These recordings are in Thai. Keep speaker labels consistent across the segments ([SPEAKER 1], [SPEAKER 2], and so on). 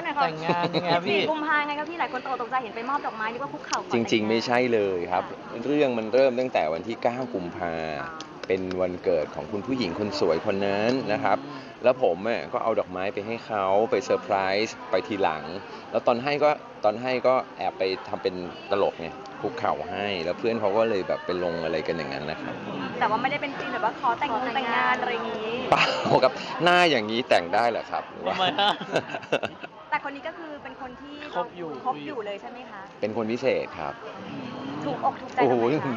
[SPEAKER 1] หน่อยค่ะ
[SPEAKER 2] แต่งงานยังไงพี่
[SPEAKER 1] 14 กุมภาพันธ์ไงครับพี่หลายคนตกใจเห็นไปมอบดอกไม้นึกว่าคุกเข่าขอแต่งงาน
[SPEAKER 3] จริงๆไม่ใช่เลยครับเรื่องมันเริ่มตั้งแต่วันที่9 กุมภาเป็นวันเกิดของคุณผู้หญิงคนสวยคนนั้นนะครับแล้วผมก็เอาดอกไม้ไปให้เขาไปเซอร์ไพรส์ไปทีหลังแล้วตอนให้ก็แอบไปทำเป็นตลกไงคุกเข่าให้แล้วเพื่อนเขาก็เลยแบบไปลงอะไรกันอย่างนั้นนะครับ
[SPEAKER 1] แต่ว่าไม่ได้เป็นจริงแบบว่าขอแต่งงานอะไรอย่างนี้
[SPEAKER 3] เปล่าครับหน้าอย่างนี้แต่งได้เหรอครับหรือว่า
[SPEAKER 2] ทำไมฮะ
[SPEAKER 1] แต่คนนี้ก็คือเป็นคนที่
[SPEAKER 2] คบอยู่
[SPEAKER 1] เลยใช่ไหมคะ
[SPEAKER 3] เป็นคนพิเศษครับ
[SPEAKER 1] ถูกอกถูกใจ
[SPEAKER 3] โอ้โห
[SPEAKER 1] ทำไมคะ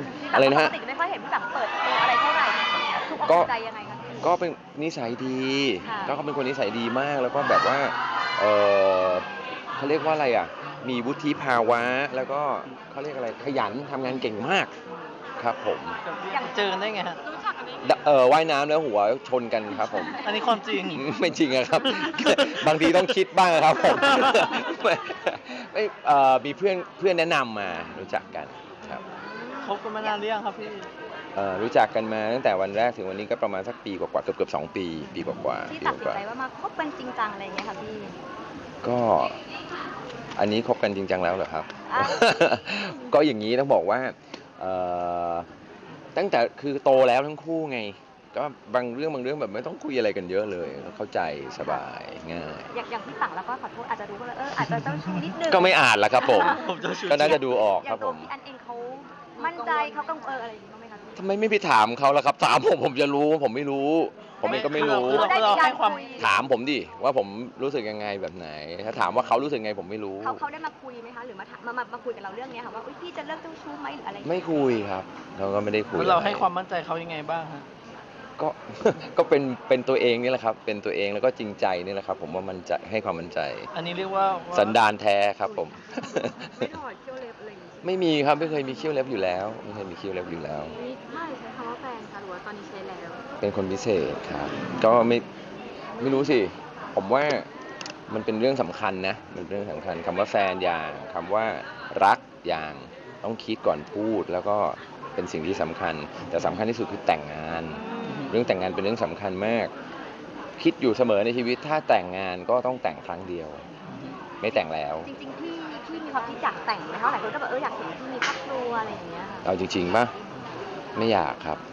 [SPEAKER 3] อะไรนะฮะ
[SPEAKER 1] ปกติไม่ค่อยเห็นพี่แบบเปิดตัวอะไรเท่าไหร่ถูกอกถูกใจยังไงคะพี่
[SPEAKER 3] ก็เป็นนิสัยดี
[SPEAKER 1] ค่ะ
[SPEAKER 3] ก็เขาเป็นคนนิสัยดีมากแล้วก็แบบว่าเออเขาเรียกว่าอะไรอ่ะมีวุฒิภาวะแล้วก็เขาเรียกอะไรขยันทำงานเก่งมากครับผม
[SPEAKER 2] อย่างเจอกันได้ไงฮะ
[SPEAKER 3] ว่ายน้ำแล้วหัวชนกันครับผม
[SPEAKER 2] อันนี้ความจริง
[SPEAKER 3] ไม่จริงอะครับ บางทีต้องคิดบ้างครับผม ไม่มีเพื่อนแนะนำมารู้จักกันครับ
[SPEAKER 2] คบกันมานานหรือยังครับพี่
[SPEAKER 3] รู้จักกันมาตั้งแต่วันแรกถึงวันนี้ก็ประมาณสักปีกว่าๆเกือบ2 ปีกว่าๆ
[SPEAKER 1] ที่
[SPEAKER 3] ปี
[SPEAKER 1] ตัดสิน
[SPEAKER 3] กว่า
[SPEAKER 1] ใจว่ามาคบกันจริงจังอะไรอย่างเงี้ยค่ะพี่
[SPEAKER 3] ๆก็อันนี้คบกันจริงจังแล้วเหรอครับ
[SPEAKER 1] อ่ะ
[SPEAKER 3] ก็อย่างนี้ต้องบอกว่าเอ่อตั้งแต่คือโตแล้วทั้งคู่ไง ก็บางเรื่องแบบไม่ต้องคุยอะไรกันเยอะเลยเข้าใจสบายง่าย
[SPEAKER 1] อย่างพี่ปังแล้วก็ขอโทษอาจจะรู้ว่าอาจจะเจ้าชู้นิดนึง
[SPEAKER 3] ก็ไม่อ่านละครับผม
[SPEAKER 2] ผมจะชู
[SPEAKER 3] ก็น่าจะดูออก
[SPEAKER 1] อย่า
[SPEAKER 3] ครั
[SPEAKER 1] ง
[SPEAKER 3] บ
[SPEAKER 1] ตั
[SPEAKER 3] ผ
[SPEAKER 1] ว
[SPEAKER 3] ม
[SPEAKER 1] พี่อันเองเขามั่นใจเขากังวลอะไรอย่างงี้บ้างไหมคะพี่
[SPEAKER 3] ทำไมไม่ไปถามเขาล่ะครับถามผมจะรู้ผมไม่รู้ ผมเองก็ไม่รู้
[SPEAKER 2] คือเราให้ความ
[SPEAKER 3] ถามผมดิว่าผมรู้สึกยังไงแบบไหน ถ้าถามว่าเขารู้สึกไงผมไม่รู้
[SPEAKER 1] เขาได้มาคุยไหมคะหรือมาคุยกับเราเรื่องเนี้ยค่ะว่าอุ๊ยพี่จะเลิกเจ้าชู้ไหมหรืออะไรอย่าง
[SPEAKER 3] ไม่
[SPEAKER 1] เงี้ย
[SPEAKER 3] คุยครับ เราก็ไม่ได้คุย
[SPEAKER 2] แล้วเรา
[SPEAKER 3] อะไร
[SPEAKER 2] ให้ความมั่นใจเขายังไงบ้างฮะ
[SPEAKER 3] ก็ ก็เป็นตัวเองนี่แหละครับ เป็นตัวเองแล้วก็จริงใจนี่แหละครับ ผมว่ามันจะให้ความมั่นใจ
[SPEAKER 2] อันนี้เรียกว่า
[SPEAKER 3] สันดานแท้ครับผม
[SPEAKER 1] ไม่ถอดเขี้ยวเล็บอะไรอย่างงี้
[SPEAKER 3] ไม่มีครับไม่เคยมีเขี้ยวเล็บอยู่แล้วไม่เคยมีเขี้ยวเล็บอยู่แล้ว
[SPEAKER 1] ไม่ใช้คำว่าแฟนค่ะหรือว่าตอนนี้ใช้แล้ว
[SPEAKER 3] เป็นคนพิเศษครับ ก็ไม่รู้สิ ผมว่ามันเป็นเรื่องสำคัญนะ มันเป็นเรื่องสำคัญคำว่าแฟนอย่างคำว่ารักอย่างต้องคิดก่อนพูด แล้วก็เป็นสิ่งที่สำคัญ แต่สำคัญที่สุดคือแต่งงาน เรื่องแต่งงานเป็นเรื่องสำคัญมาก คิดอยู่เสมอในชีวิตถ้าแต่งงานก็ต้องแต่งครั้งเดียว ไม่แต่งแล้ว
[SPEAKER 1] จริงๆพี่มีความคิดอยากแต่งไหมคะหลายคนก็แบบอยากเห็นพี่มีครอบครัวอะไรอย่างเงี้ยค่ะ
[SPEAKER 3] เอาจริงๆป่ะไม่อยากครับ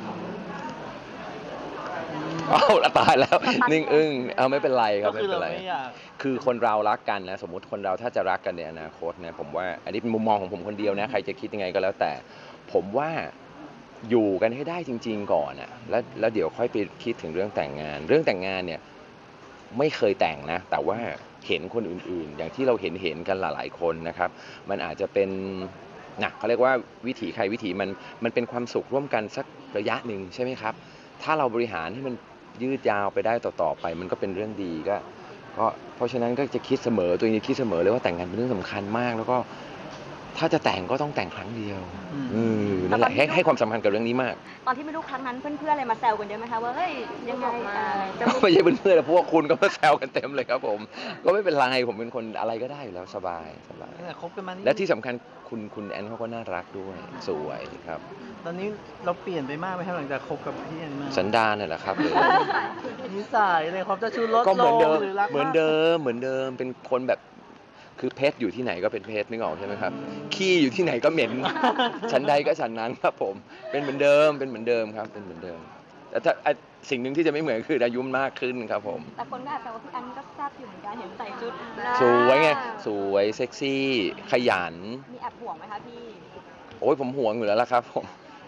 [SPEAKER 3] เอาละตายแล้วนิ่งอึ้งเอาไม่เป็นไรครับ
[SPEAKER 2] ก็
[SPEAKER 3] ไม่
[SPEAKER 2] คือ
[SPEAKER 3] เป็น
[SPEAKER 2] เรา
[SPEAKER 3] ไร
[SPEAKER 2] ไม่อยาก
[SPEAKER 3] คือคนเรารักกันนะสมมุติคนเราถ้าจะรักกันในอนาคตนะผมว่าอันนี้เป็นมุมมองของผมคนเดียวนะใครจะคิดยังไงก็แล้วแต่ ผมว่าอยู่กันให้ได้จริง ๆก่อนอ่ะแล้วเดี๋ยวค่อยไปคิดถึงเรื่องแต่งงาน เรื่องแต่งงานเนี่ยไม่เคยแต่งนะแต่ว่าเห็นคนอื่นๆ อย่างที่เราเห็นกันหลายๆคนนะครับมันอาจจะเป็นนะเขาเรียกว่าวิถีใครวิถีมันเป็นความสุขร่วมกันสักระยะหนึ่งใช่ไหมครับถ้าเราบริหารให้มันยืดยาวไปได้ต่อไปมันก็เป็นเรื่องดีก็เพราะฉะนั้นก็จะคิดเสมอตัวเองคิดเสมอเลยว่าแต่งงานเป็นเรื่องสำคัญมากแล้วก็ถ้าจะแต่งก็ต้องแต่งครั้งเดียวนั่นแหละให้ความสำคัญกับเรื่องนี้มาก
[SPEAKER 1] ตอนที่ไม่รู้ครั้งนั้นเพื่อนๆอะไรมาแซวกันเยอะไหมคะว่าเฮ้ยยังไงจะ
[SPEAKER 3] ไม่ใช่เพื่อนๆแต่พวกคุณก็มาแซวกันเต็มเลยครับผมก็ไม่เป็นไรผมเป็นคนอะไรก็ได้อยู่แล้วสบาย
[SPEAKER 2] แต่คบกันมานี่
[SPEAKER 3] และที่สำคัญคุณแอนเขาก็น่ารักด้วยสวยครับ
[SPEAKER 2] ตอนนี้เราเปลี่ยนไปมากไหมครับหลังจากคบกับพี่แอนมา
[SPEAKER 3] สันดานน่ะแหละครับ
[SPEAKER 2] นิสัยเลยครับจะชูลด
[SPEAKER 3] ก็
[SPEAKER 2] ล
[SPEAKER 3] เหมือน
[SPEAKER 2] ง
[SPEAKER 3] เดิม
[SPEAKER 2] หรือรัก
[SPEAKER 3] เหมือนเดิมเป็นคนแบบคือเพชรอยู่ที่ไหนก็เป็นเพชรนึกออกใช่ไหมครับขี้อยู่ที่ไหนก็เหม็น ฉันใดก็ฉันนั้นครับผมเป็นเหมือนเดิมครับเป็นเหมือนเดิมแต่ถ้าสิ่งหนึ่งที่จะไม่เหมือนคืออายุมากขึ้นครับผม
[SPEAKER 1] แต่คนก็อาจจะว่าพี่อันก็แซ่บอยู่เหมือนกันเห็นใส่ชุด
[SPEAKER 3] สวยไงสวยเซ็กซี่ขยัน
[SPEAKER 1] มีแอบห่วงไหมคะพี่
[SPEAKER 3] โอ้ยผมห่วงอยู่แล้วล่ะครับผม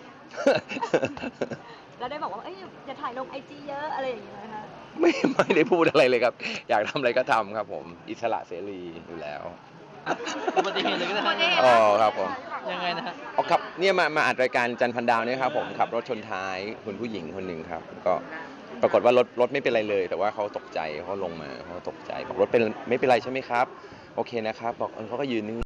[SPEAKER 1] แล้วได้บอกว่าเอ้ยอย่าถ่ายลงไอจีเยอะอะไรอย่างเงี้ยนะคะ
[SPEAKER 3] ไม่ได้พูดอะไรเลยครับ อยากทำอะไรก็ทำครับผมอิสระเสรีอยู่แล้ว
[SPEAKER 2] อุบัติเหตุเลยก็ได้ฮะ
[SPEAKER 3] อ๋อครับผม
[SPEAKER 2] ยังไงนะฮะ
[SPEAKER 3] อ๋อครับเนี่ยมาอัดรายการจันทร์พันดาวเนี่ยครับผมขับรถชนท้ายคุณผู้หญิงคนหนึ่งครับก็ปรากฏว่ารถไม่เป็นไรเลย แต่ว่าเขาตกใจเขาลงมาเขาตกใจบอกรถเป็นไม่เป็นไรใช่ไหมครับโอเคนะครับบอกเขาก็ยืนนิ่ง